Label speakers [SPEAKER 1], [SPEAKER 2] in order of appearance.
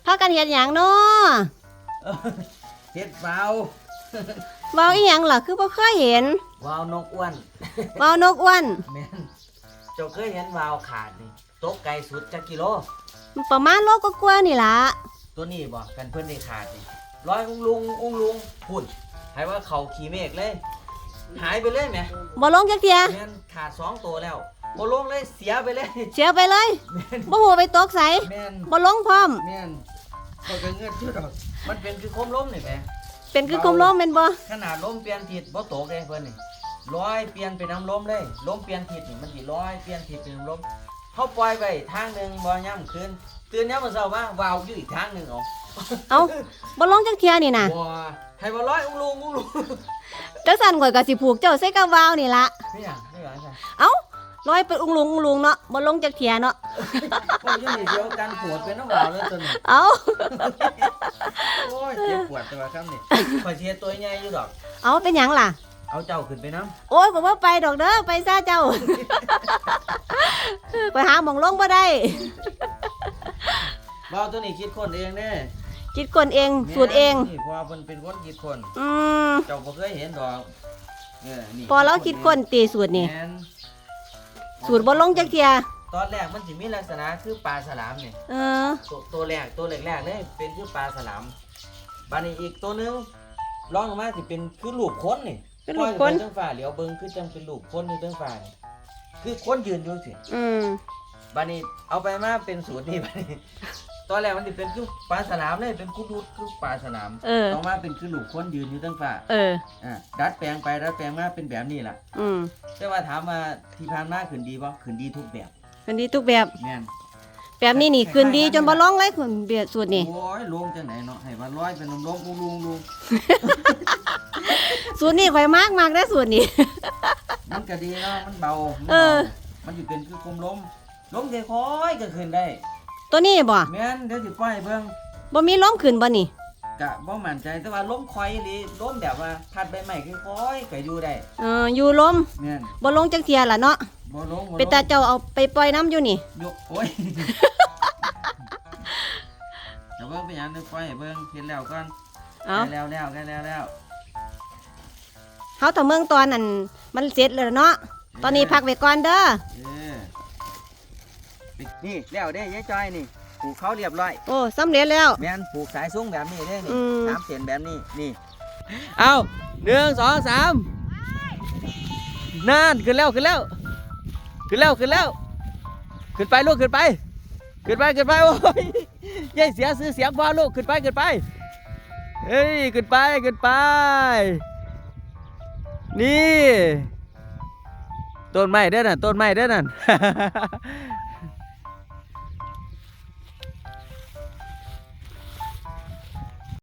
[SPEAKER 1] พากันเฮ็ดหยังเนาะ
[SPEAKER 2] เฮ็ดวาว
[SPEAKER 1] เว้าอีหยังล่ะคือบ่เคยเห็น
[SPEAKER 2] วาวนกอ้วน
[SPEAKER 1] เว้านกอ้วน
[SPEAKER 2] แม่นเจ้าเคยเห็นวาวขาดนี่ตกไกลสุดจักกิโล
[SPEAKER 1] ประมาณโลกว่าๆนี่ล่ะ
[SPEAKER 2] ตัวนี้บ่กันเพิ่นได้ขาดนี่ร้อยอุ้งลุงพุ่นให้ว่าเขาขี่เมฆเลย หายไปเลยแหม
[SPEAKER 1] บ่ลงจักเที่ย
[SPEAKER 2] แม่นขาด2ตัวแล้วบ่ลงเลยเสียไปเลย
[SPEAKER 1] เสียไปเลย
[SPEAKER 2] แม่น
[SPEAKER 1] บ่ฮู้ไปตกไส
[SPEAKER 2] แม่น
[SPEAKER 1] บ่ลงพร้อม
[SPEAKER 2] แม่นก็เงินชื่อดอกมันเป็นคือโคมลมนี่แหม
[SPEAKER 1] เป็นคือคุมลมแม่นบ่
[SPEAKER 2] ขนาดลมเปลี่ยนทิศบ่ตกเลยเพิ่นนี่ร้อยเปลี่ยนเป็นน้ำลมเลยลมเปลี่ยนทิศนี่มันสิร้อยเปลี่ยนทิศเป็นน้ำลมเขาปล่อยไปทางหนึงบ่ย่ำคืนตื่นยามมื้อเช้ามาวาวอยู่อีกทางหนึงเอา
[SPEAKER 1] เอ้าบ่ลงจักเที่ยนี่น่ะ
[SPEAKER 2] บ่ให้บ่ร้อยอุ้งลุง
[SPEAKER 1] จังซั่นข่อยก็สิผูกเจ้าใส่กับวาวนี่ล่ะ
[SPEAKER 2] ไม่หยังจ้ะ
[SPEAKER 1] เอ้าลอยไปอุ้งลุงเนาะบ่ลงจักเที่ยเนาะ
[SPEAKER 2] พวกอยู่นี่เดียวกันปวดเป็นน้ำวาวเลยตัวนี้
[SPEAKER 1] เอ้า
[SPEAKER 2] โอ้ยเจ็บปวดตัวครับนี่ข่อยสิเฮ็ดตัวใหญ่อยู่ดอก
[SPEAKER 1] เอาเป็นหยังล่ะ
[SPEAKER 2] เอาเจ้าขึ้นไปน้ำ
[SPEAKER 1] โอ้ยผมว่าไปดอกเด้อไปซะเจ้า ไปหาหมองลงบ่ได้
[SPEAKER 2] วาวตัวนี้คิดคนเองเด้
[SPEAKER 1] คิดคนเองสูตรเอง
[SPEAKER 2] นี่เพอเพิ่นเป็นคนคิดคน
[SPEAKER 1] อืม
[SPEAKER 2] เจ้าบ่เคยเห็นดอกนี่
[SPEAKER 1] พอเราคิดคนตีสูตรนี่
[SPEAKER 2] แม่น
[SPEAKER 1] สูตรบ่ลงจักเทีย
[SPEAKER 2] ตอนแรกมันสิมีลักษณะคือปลาฉลามนี่
[SPEAKER 1] เออ
[SPEAKER 2] ตัวแรกเลยเป็นคือปลาฉลามบานี้อีกตัวหนึงลองลงมาสิเป็นคือลูกคนนี่
[SPEAKER 1] เป็นลูกคน
[SPEAKER 2] ปล่อยไปเทิงฟ้าเหลียวเบิ่งคือจังเป็นลูกคนอยู่เทิงฟ้านี่คือคนยืนอยู่สิ
[SPEAKER 1] อืม
[SPEAKER 2] บานี้เอาไปมาเป็นสูตรนี่บานี้ตอนแรกมันสิเป็นคือปลาฉลามเลยเป็นกุดูดคือปลาฉลาม
[SPEAKER 1] เออ
[SPEAKER 2] ต่อมาเป็นคือลูกคนยืนอยู่เทิงฟ้า
[SPEAKER 1] เออ
[SPEAKER 2] ดัดแปลงไปดัดแปลงมาเป็นแบบนี้ล่ะ
[SPEAKER 1] อืม
[SPEAKER 2] แต่ว่าถามว่าที่ผ่านมาขึ้นดีบ่ขึ้นดีทุกแบบ
[SPEAKER 1] มันดีทุกแบบ
[SPEAKER 2] แม่น
[SPEAKER 1] แบบนี้นี่คืนดีจนบ่ลงเลยคุณเบียดสูตรนี่
[SPEAKER 2] โอ้ยลงจังไหนเนาะให้ว่าร้อยเป็นลมลุง
[SPEAKER 1] สูตรนี่ข่อยมากได้อสูตรนี่
[SPEAKER 2] มันก็ดีเนาะมันเบา
[SPEAKER 1] เออ
[SPEAKER 2] มันสิเป็นคือคมลมค่อยๆก็ขึ้นได้
[SPEAKER 1] ตัวนี้บ่
[SPEAKER 2] แม่นเดี๋ยวสิปล่อยเบิ่ง
[SPEAKER 1] บ่มีล้มขึ้นบ่นี่
[SPEAKER 2] กะบ่มั่นใจแต่ว่าลมคอยอีหลีลมแบบว่าพัดใบไม้ค่อยๆก็อยู่ได้
[SPEAKER 1] อยู่ล้ม
[SPEAKER 2] แม่น
[SPEAKER 1] บ่ลงจักเทียล่ะเนาะ
[SPEAKER 2] บ่ลง
[SPEAKER 1] เป็นตาเจ้าเอาไปปล่อยน้ำอยู่นี่
[SPEAKER 2] ยกโอ้ย เดี๋ยวเบิ่งไปหยังเดี๋ยวปล่อยให้เบิ่งเฮ็ดแล้วก่อน
[SPEAKER 1] เอา
[SPEAKER 2] ใกล้แล้ว
[SPEAKER 1] เฮาถ้าเมืองตอนนั้นมันเสร็จแล้วเนาะตอนนี้พักไว้ก่อนเด้อ
[SPEAKER 2] เออนี่แล้วเด้ยายจอยนี่ปลูกเขาเรียบร้อย
[SPEAKER 1] โอ้สำเร็จแล้ว
[SPEAKER 2] แม่นปลูกสายสูงแบบนี้เด้นี่
[SPEAKER 1] อืม
[SPEAKER 2] 3เส้นแบบนี้นี่เอา1 2 3นั่นขึ้นแล้วขึ้นไปลูกขึ้นไปโอ้ยยายเสียซื้อเสียงพอลูกขึ้นไปเฮ้ยขึ้นไปนี่ต้นไม้เด้อนั่น